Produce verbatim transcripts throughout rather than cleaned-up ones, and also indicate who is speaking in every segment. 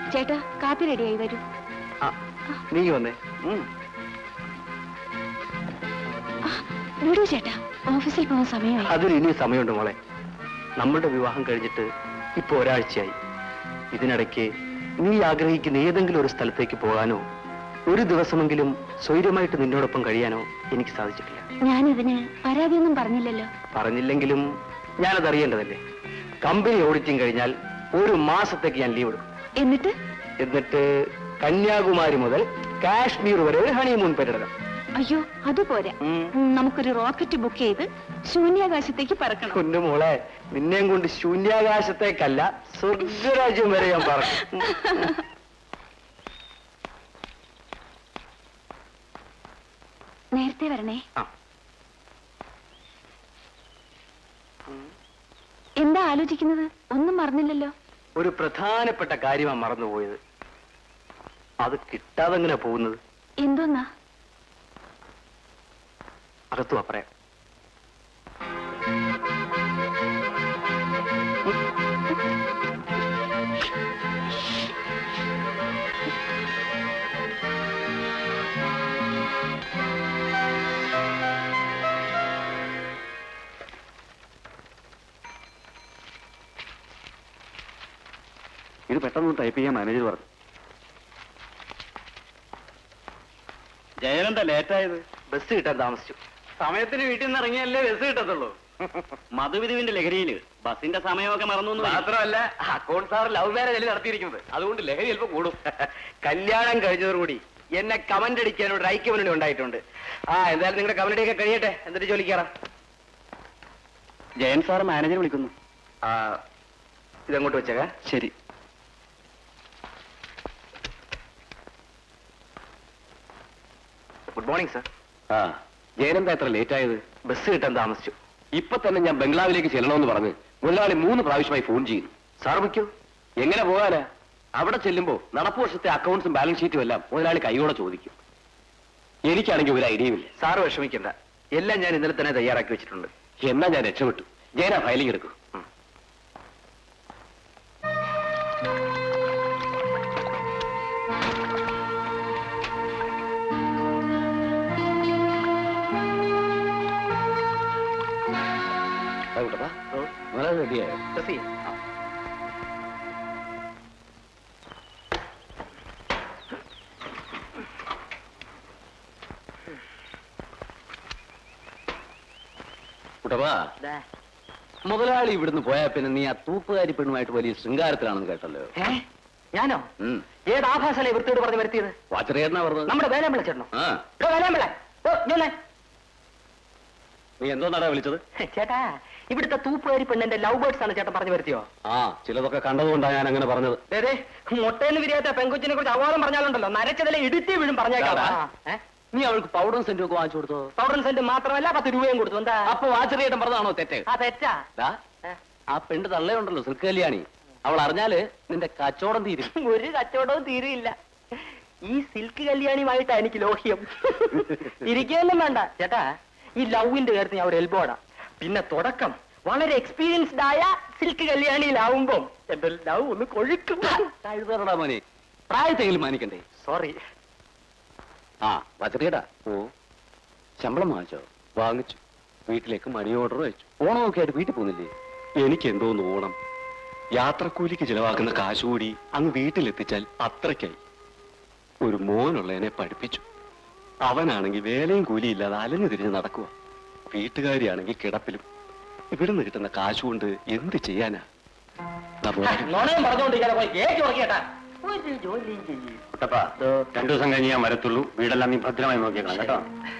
Speaker 1: ചേട്ടാ കാപ്പി റെഡിയായി വരൂ.
Speaker 2: നീ വന്നേ.
Speaker 1: വിടൂ ചേട്ടാ, ഓഫീസിൽ പോകാൻ സമയമായി.
Speaker 2: അതിന് ഇനി സമയമുണ്ട് മോളെ. നമ്മളുടെ വിവാഹം കഴിഞ്ഞിട്ട് ഇപ്പൊ ഒരാഴ്ചയായി. ഇതിനിടയ്ക്ക് നീ ആഗ്രഹിക്കുന്ന ഏതെങ്കിലും ഒരു സ്ഥലത്തേക്ക് പോകാനോ ഒരു ദിവസമെങ്കിലും സ്വൈര്യമായിട്ട് നിന്നോടൊപ്പം കഴിയാനോ എനിക്ക് സാധിച്ചിട്ടില്ല.
Speaker 1: ഞാനിതിന് പരാതിയൊന്നും പറഞ്ഞില്ലല്ലോ.
Speaker 2: പറഞ്ഞില്ലെങ്കിലും ഞാനത് അറിയേണ്ടതല്ലേ. കമ്പനി ഓഡിറ്റിംഗ് കഴിഞ്ഞാൽ ഒരു മാസത്തേക്ക് ഞാൻ ലീവ് എടുക്കും.
Speaker 1: എന്നിട്ട്
Speaker 2: എന്നിട്ട് കന്യാകുമാരി മുതൽ കാശ്മീർ വരെ ഒരു ഹണിമൂൺ പര്യടനം.
Speaker 1: അയ്യോ അതുപോലെ നമുക്കൊരു റോക്കറ്റ് ബുക്ക് ചെയ്ത് ശൂന്യാകാശത്തേക്ക് പറക്കണം.
Speaker 2: കുഞ്ഞുമോളെ, നിന്നെയും കൊണ്ട് ശൂന്യാകാശത്തേക്കല്ല സ്വർഗരാജ്യം വരെ ഞാൻ പറക്കും.
Speaker 1: നേരത്തെ വരണേ. എന്താ ആലോചിക്കുന്നത്? ഒന്നും മറന്നില്ലല്ലോ.
Speaker 2: ഒരു പ്രധാനപ്പെട്ട കാര്യമാണ് മറന്നുപോയത്. അത് കിട്ടാതെ എങ്ങനെ പോകുന്നത്?
Speaker 1: എന്തോന്നാ?
Speaker 2: അകത്തു പറയാം. ഇത് പെട്ടെന്ന് ടൈപ്പ് ചെയ്യാൻ മാനേജർ പറഞ്ഞു.
Speaker 3: ജയനെന്താ ലേറ്റായത്?
Speaker 2: ബസ് കിട്ടാൻ താമസിച്ചു.
Speaker 3: സമയത്തിന് വീട്ടിൽ നിന്ന് ഇറങ്ങിയല്ലേ ബസ് കിട്ടത്തുള്ളൂ. മധുവിധുവിന്റെ ലഹരിയില് ബസിന്റെ സമയമൊക്കെ മറന്നു.
Speaker 2: മാത്രമല്ല അക്കൗണ്ട് സാർ ലവ് മാരേജ് നടത്തിയിരിക്കുന്നത്. അതുകൊണ്ട് ലഹരി ചിലപ്പോൾ കൂടും. കല്യാണം കഴിഞ്ഞതോടുകൂടി എന്നെ കമന്റ് അടിക്കാൻ ഒരു ഐക്യമനുണ്ട് ഉണ്ടായിട്ടുണ്ട്. ആ എന്തായാലും നിങ്ങളുടെ കമന്റ് ഒക്കെ കഴിയട്ടെ, എന്നിട്ട് ജോലിക്കാറാം.
Speaker 3: ജയൻ സാർ മാനേജർ വിളിക്കുന്നു.
Speaker 2: ആ ഇതങ്ങോട്ട് വെച്ചേക്കാ.
Speaker 3: ശരി.
Speaker 2: Good morning sir.
Speaker 3: ആ ജയനെന്താ എത്ര ലേറ്റ് ആയത്?
Speaker 2: ബസ് കിട്ടാൻ താമസിച്ചു.
Speaker 3: ഇപ്പൊ തന്നെ ഞാൻ ബംഗ്ലാവിലേക്ക് ചെല്ലണമെന്ന് പറഞ്ഞ് മുതലാളി മൂന്ന് പ്രാവശ്യമായി ഫോൺ ചെയ്യുന്നു.
Speaker 2: സാർ വയ്ക്കൂ.
Speaker 3: എങ്ങനെ പോകാനാ? അവിടെ ചെല്ലുമ്പോ നടപ്പ് വർഷത്തെ അക്കൗണ്ട്സും ബാലൻസ് ഷീറ്റും എല്ലാം മുതലാളി കൈയോടെ ചോദിക്കും. എനിക്കാണെങ്കിൽ ഒരു ഐഡിയയുമില്ല.
Speaker 2: സാറ് വിഷമിക്കണ്ട, എല്ലാം ഞാൻ ഇന്നലെ തന്നെ തയ്യാറാക്കി വെച്ചിട്ടുണ്ട്.
Speaker 3: എന്നാ ഞാൻ രക്ഷപ്പെട്ടു. ജയനാ ഫയലിംഗ് എടുക്കും. റെഡിയായോ? കുട്ടപ്പാ, മുതലാളി ഇവിടുന്ന് പോയാ പിന്നെ നീ ആ തൂപ്പുകാരി പെണ്ണുമായിട്ട് വലിയ ശൃംഗാരത്തിലാണെന്ന് കേട്ടല്ലോ.
Speaker 2: ഞാനോ? ഏത് ആഭാസല്ലേ വൃത്തിയോട് പറഞ്ഞ് വരുത്തിയത്?
Speaker 3: വാച്ചറിയാ പറഞ്ഞത്.
Speaker 2: നമ്മുടെ വേലാമ്പിള ചേട്ടനോ? വേലാമ്പിള,
Speaker 3: നീ എന്തോ നടാ വിളിച്ചത്?
Speaker 2: ചേട്ടാ, ഇവിടുത്തെ തൂപ്പുകാരി പെണ്ണിന്റെ ലവ് ബേർഡ്സ് ആണ് ചേട്ടൻ പറഞ്ഞു വരുത്തിയോ?
Speaker 3: ആ ചിലതൊക്കെ കണ്ടതുകൊണ്ടാണ് ഞാൻ അങ്ങനെ പറഞ്ഞത്.
Speaker 2: അതെ, മുട്ടേന്ന് വിരിയാത്ത പെങ്കുച്ചിനെ കുറിച്ച് അവാദം പറഞ്ഞാലുണ്ടല്ലോ, നരച്ചതിലെ ഇടുത്തി വീഴും പറഞ്ഞേക്കാം.
Speaker 3: നീ അവൾക്ക് പൗഡറും സെന്റും ഒക്കെ വാങ്ങിച്ചു കൊടുത്തോ?
Speaker 2: പൗഡറും സെന്റ് മാത്രമല്ല പത്ത് രൂപയും കൊടുത്തു. എന്താ
Speaker 3: അപ്പൊ വാച്ചറിയേട്ടൻ പറഞ്ഞതാണോ തെറ്റ്?
Speaker 2: ആ തെറ്റാ.
Speaker 3: ആ പെണ്ണ് തള്ളയുണ്ടല്ലോ സിൽക്ക് കല്യാണി, അവൾ അറിഞ്ഞാല് നിന്റെ കച്ചവടം തീരും.
Speaker 2: ഒരു കച്ചവടവും തീരെയില്ല. ഈ സിൽക്ക് കല്യാണിയുമായിട്ടാ എനിക്ക് ലോഹ്യം. ഇരിക്കുകയൊന്നും വേണ്ട ചേട്ടാ. ഈ ലവിന്റെ കാര്യത്തിൽ ഞാൻ ഒരു എൽബോടാ. പിന്നെ തുടക്കം വളരെ എക്സ്പീരിയൻസ്ഡ് ആയ സിൽക്ക് കല്യാണിയിലാവുമ്പോ എന്റെ ലവ് ഒന്ന് കൊഴുക്കും.
Speaker 3: കഴുതറടാ മോനെ, പ്രായത്തെങ്കിലും മാനിക്കണ്ടേ?
Speaker 2: സോറി.
Speaker 3: ആ വച്ചറിയടാ. ഓ ശമ്പളം വാങ്ങിച്ചോ? വാങ്ങിച്ചു. വീട്ടിലേക്ക് മണി ഓർഡർ വെച്ചു. ഓണമൊക്കെ ആയിട്ട് വീട്ടിൽ പോകുന്നില്ലേ? എനിക്ക് എന്തോന്ന് ഓണം. യാത്രക്കൂലിക്ക് ചിലവാക്കുന്ന കാശുകൂടി അങ്ങ് വീട്ടിലെത്തിച്ചാൽ അത്രയ്ക്കായി. ഒരു മോനുള്ളതിനെ പഠിപ്പിച്ചു. അവനാണെങ്കിൽ വേലയും കൂലിയില്ലാതെ അലഞ്ഞു തിരിഞ്ഞ് നടക്കുക. വീട്ടുകാരിയാണെങ്കിൽ കിടപ്പിലും. ഇവിടുന്ന് കിട്ടുന്ന കാശുകൊണ്ട് എന്ത് ചെയ്യാനാ?
Speaker 2: രണ്ടു ദിവസം കഴിഞ്ഞ് ഞാൻ വരത്തുള്ളൂ. വീടെല്ലാം നീ ഭദ്രമായി നോക്കിയേക്കണം കേട്ടോ.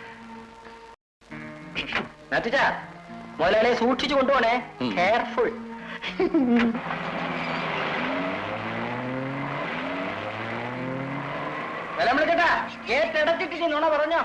Speaker 2: മുതലാളിയെ സൂക്ഷിച്ചു കൊണ്ടുപോണേ. കെയർഫുൾ. ചേട്ടാ, കേട്ടടച്ചിട്ട് നുണ പറഞ്ഞോ?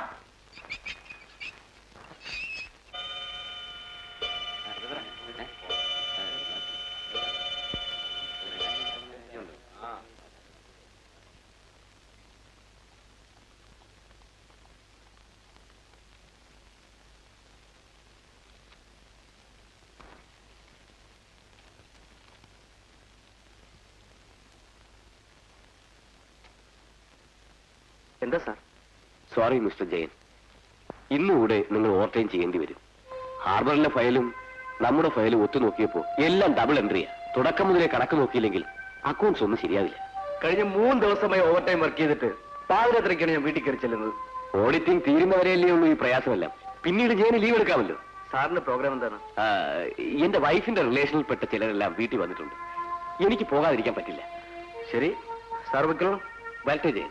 Speaker 2: എന്താ സാർ?
Speaker 3: സോറി മിസ്റ്റർ ജയൻ, ഇന്നുകൂടെ നിങ്ങൾ ഓവർ ടൈം ചെയ്യേണ്ടി വരും. ഹാർബറിലെ ഫയലും നമ്മുടെ ഫയലും ഒത്തു നോക്കിയപ്പോ എല്ലാം ഡബിൾ എൻട്രിയാ. തുടക്കം മുതലേ കണക്ക് നോക്കിയില്ലെങ്കിൽ അക്കൗണ്ട്സ് ഒന്നും ശരിയാവില്ല.
Speaker 2: കഴിഞ്ഞ മൂന്ന് ദിവസമായി ഓവർ ടൈം വർക്ക് ചെയ്തിട്ട് പാതിരാത്രിക്കാണ് ഞാൻ വീട്ടിൽ കയറി ചെല്ലുന്നത്.
Speaker 3: ഓഡിറ്റിംഗ് തീരുന്നവരെയല്ലേ ഉള്ളൂ ഈ പ്രയാസമെല്ലാം. പിന്നീട് ജയന് ലീവ് എടുക്കാമല്ലോ.
Speaker 2: സാറിന്റെ പ്രോഗ്രാം എന്താണ്?
Speaker 3: ആ, എന്റെ വൈഫിന്റെ റിലേഷനിൽപ്പെട്ട ചിലരെല്ലാം വീട്ടിൽ വന്നിട്ടുണ്ട്. എനിക്ക് പോകാതിരിക്കാൻ പറ്റില്ല.
Speaker 2: ശരി സാർ വെക്കണം.
Speaker 3: വരട്ടെ ജയൻ.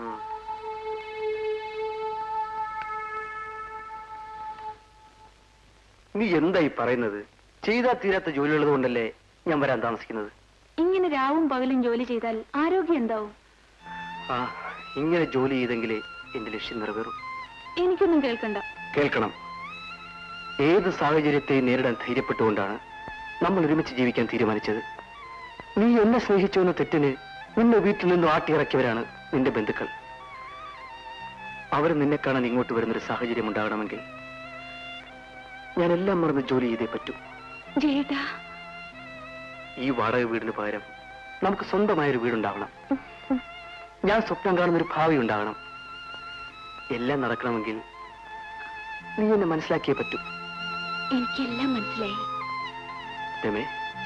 Speaker 2: നീ എന്തായി പറയുന്നത്? ചെയ്താ തീരാത്ത ജോലിയുള്ളത് കൊണ്ടല്ലേ ഞാൻ വരാൻ താമസിക്കുന്നത്.
Speaker 1: ഇങ്ങനെ രാവും പകലും ജോലി ചെയ്താൽ ആരോഗ്യം എന്താവും?
Speaker 2: ആ, ഇങ്ങനെ ജോലി ചെയ്തെങ്കിലേ എന്റെ ലക്ഷ്യം നിറവേറും.
Speaker 1: എനിക്കൊന്നും കേൾക്കണ്ട.
Speaker 2: കേൾക്കണം. ഏത് സാഹചര്യത്തെയും നേരിടാൻ ധൈര്യപ്പെട്ടുകൊണ്ടാണ് നമ്മൾ ഒരുമിച്ച് ജീവിക്കാൻ തീരുമാനിച്ചത്. നീ എന്നെ സ്നേഹിച്ചു എന്ന തെറ്റിന് നിന്നെ വീട്ടിൽ നിന്നും ആട്ടിയിറക്കിയവരാണ് നിന്റെ ബന്ധുക്കൾ. അവർ നിന്നെ കാണാൻ ഇങ്ങോട്ട് വരുന്നൊരു സാഹചര്യം ഉണ്ടാകണമെങ്കിൽ ഞാൻ എല്ലാം മറന്ന് ജോലി ചെയ്തേ പറ്റൂ.
Speaker 1: ജയേട്ടാ,
Speaker 2: ഈ വാടക വീടിന് പകരം നമുക്ക് സ്വന്തമായൊരു വീടുണ്ടാവണം. ഞാൻ സ്വപ്നം കാണുന്നൊരു ഭാവി ഉണ്ടാകണം. എല്ലാം നടക്കണമെങ്കിൽ നീ എന്നെ മനസ്സിലാക്കിയേ പറ്റൂ.
Speaker 1: എനിക്കെല്ലാം മനസ്സിലായി.
Speaker 2: രമേ,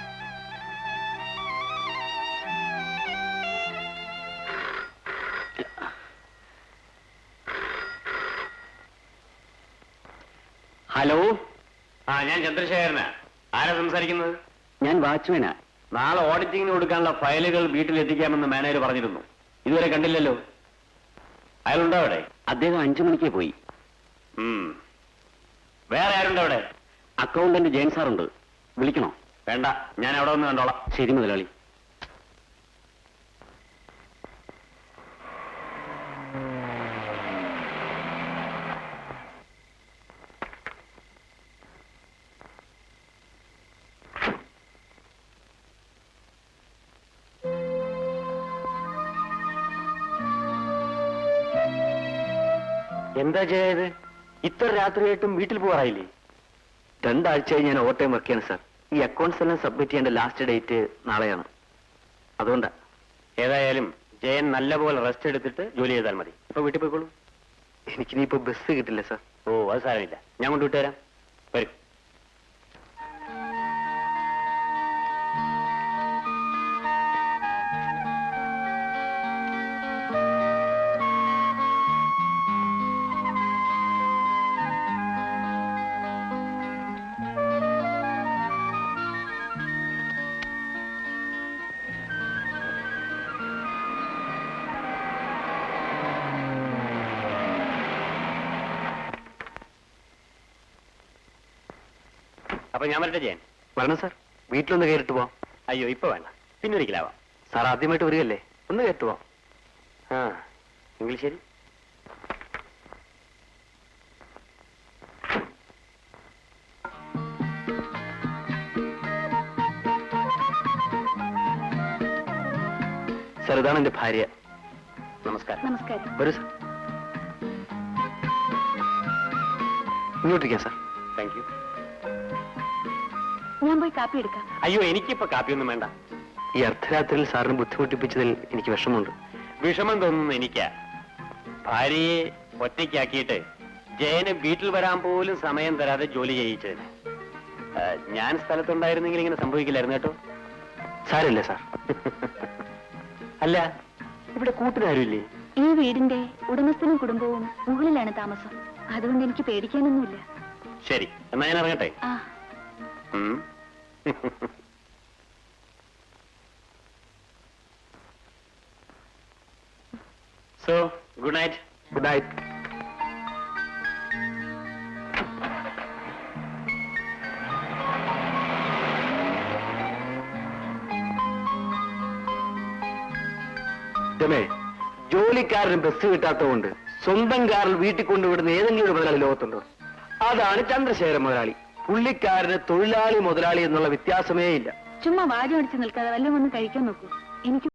Speaker 3: ഹലോ.
Speaker 4: ആ, ഞാൻ ചന്ദ്രശേഖരനാ. ആരാ സംസാരിക്കുന്നത്?
Speaker 3: ഞാൻ വാച്ച്മാനാ.
Speaker 4: നാളെ ഓഡിറ്റിംഗിന് കൊടുക്കാനുള്ള ഫയലുകൾ വീട്ടിൽ എത്തിക്കാമെന്ന് മാനേജർ പറഞ്ഞിരുന്നു. ഇതുവരെ കണ്ടില്ലല്ലോ. അയാളുണ്ടോ അവിടെ?
Speaker 3: അദ്ദേഹം അഞ്ചു മണിക്ക് പോയി.
Speaker 4: ഉം. വേറെ ആരുണ്ടോ അവിടെ?
Speaker 3: അക്കൗണ്ടന്റ് ജയൻ സാറുണ്ട്. വിളിക്കണോ?
Speaker 4: വേണ്ട, ഞാൻ അവിടെ ഒന്ന് കണ്ടോളാം.
Speaker 3: ശരി മുതലാളി.
Speaker 2: എന്താ ചെയ്യത്? ഇത്ര രാത്രിയായിട്ടും വീട്ടിൽ പോകാറായില്ലേ? രണ്ടാഴ്ചയായി ഞാൻ ഓവർ ടൈം വർക്ക് ചെയ്യണം സാർ. ഈ അക്കൗണ്ട്സ് എല്ലാം സബ്മിറ്റ് ചെയ്യേണ്ട ലാസ്റ്റ് ഡേറ്റ് നാളെയാണ്. അതുകൊണ്ടാ.
Speaker 4: ഏതായാലും ജയൻ നല്ലപോലെ റെസ്റ്റ് എടുത്തിട്ട് ജോലി ചെയ്താൽ മതി. ഇപ്പൊ വീട്ടിൽ പോയിക്കോളൂ.
Speaker 2: എനിക്കിനിയിപ്പോ ബസ് കിട്ടില്ല സാർ.
Speaker 4: ഓ, അത് സാരമില്ല, ഞാൻ കൊണ്ട് വിട്ടുതരാം. വരും. അപ്പൊ ഞാൻ വരട്ടെ ജയൻ?
Speaker 2: വരണം സാർ. വീട്ടിലൊന്ന് കയറിട്ട് പോവാം.
Speaker 4: അയ്യോ, ഇപ്പൊ വേണ്ട, പിന്നൊരിക്കലാവാം.
Speaker 2: സാർ ആദ്യമായിട്ട് വരികയല്ലേ, ഒന്ന് കയറിട്ട് പോവാം.
Speaker 4: ആ, എങ്കിൽ ശരി.
Speaker 2: സാർ, ഇതാണ് എന്റെ ഭാര്യ.
Speaker 4: നമസ്കാരം.
Speaker 1: നമസ്കാരം.
Speaker 2: വരൂ സാർ. ഇങ്ങോട്ടിരിക്കാം സാർ.
Speaker 4: Thank you.
Speaker 1: ഞാൻ പോയി കാപ്പി എടുക്കാം.
Speaker 4: അയ്യോ, എനിക്കിപ്പോ കാപ്പിയൊന്നും വേണ്ട.
Speaker 2: ഈ അർദ്ധരാത്രിയിൽ സാറിന് ബുദ്ധിമുട്ടിപ്പിച്ചതിൽ എനിക്ക് വിഷമമുണ്ട്.
Speaker 4: വിഷമം തോന്നുന്നു എനിക്കാ. ഭാര്യയെ ഒറ്റയ്ക്കാക്കിയിട്ട് ജയന് വീട്ടിൽ വരാൻ പോലും സമയം തരാതെ ജോലി ചെയ്യിച്ചതിന്. ആ, ഞാൻ സ്ഥലത്തുണ്ടായിരുന്നെങ്കിൽ ഇങ്ങനെ സംഭവിക്കില്ലായിരുന്നു കേട്ടോ.
Speaker 2: സാരമില്ല സാർ.
Speaker 4: അല്ല, ഇവിടെ കൂട്ടിനാരുമില്ലേ?
Speaker 1: ഈ വീടിന്റെ ഉടമസ്ഥനും കുടുംബവും മുകളിലാണ് താമസം. അതുകൊണ്ട് എനിക്ക് പേടിക്കാനൊന്നുമില്ല.
Speaker 4: ശരി, എന്നാ ഞാൻ ഇറങ്ങട്ടെ.
Speaker 1: ആ,
Speaker 4: ഉം. So, good night.
Speaker 2: Good night. രമേ, ജോലിക്കാരന് ബസ് കിട്ടാത്തതുകൊണ്ട് സ്വന്തം കാറിൽ വീട്ടിൽ കൊണ്ടുവിടുന്ന ഏതെങ്കിലും ഒരു മുതലാളി ലോകത്തുണ്ടോ? അതാണ് ചന്ദ്രശേഖരൻ മുതലാളി. പുള്ളിക്കാരന് തൊഴിലാളി മുതലാളി എന്നുള്ള വ്യത്യാസമേ ഇല്ല.
Speaker 1: ചുമ്മാ വാചം അടിച്ച് നിൽക്കാതെ വല്ലതും ഒന്ന് കഴിക്കാൻ നോക്കൂ. എനിക്ക്